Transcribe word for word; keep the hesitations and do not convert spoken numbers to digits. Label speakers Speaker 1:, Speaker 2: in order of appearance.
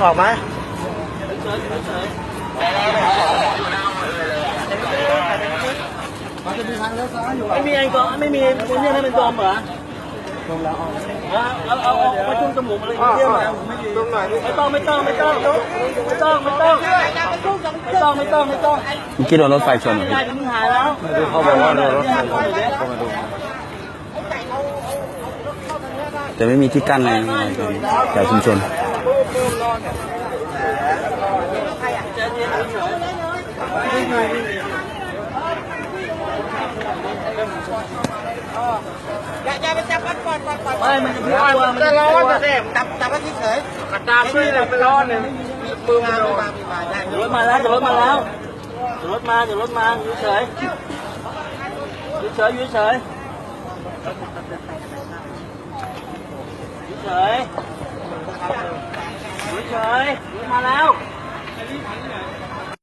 Speaker 1: ออกไหมมันจะมีทางเลี้ยวซ้ายอยู่ไม่มีไอ้ก็ไม่มีคนเนี่ยให้เป็นดมเหรอดมแล้วเอาเอาเอาเอาจุ่มจมูกอะไรอย่างเงี้ยไม่ต้องไม่ต้องไม่ต้องไม่ต้องไม่ต้องไม่ต้องไม่ต้องไม่ต้อง
Speaker 2: เมื่อกี้โดนรถไฟชนเหรอ
Speaker 1: ไม่ได้ถึงหายแล้ว
Speaker 2: เขาบอกว่าโดนรถไฟชนแต่ไม่มีที่กั้นอะไรแถวชุมชน
Speaker 3: อย่าอย่าไปจับมันก่อนก่อนก่อน
Speaker 1: ไม่มันจะพิ้วมันจะร้อนจะเสพ
Speaker 3: จับจับมันเฉย
Speaker 1: กระตามด้วยเลยมันร้อนเนี่ย
Speaker 3: ๆมือมามือมามือมาได้
Speaker 1: รถมาแล้วรถมาแล้วรถมาเดี๋ยวรถมาอยู่เฉยอยู่เฉยอยู่เฉยอยู่เฉยอยู่เฉยรถมาแล้ว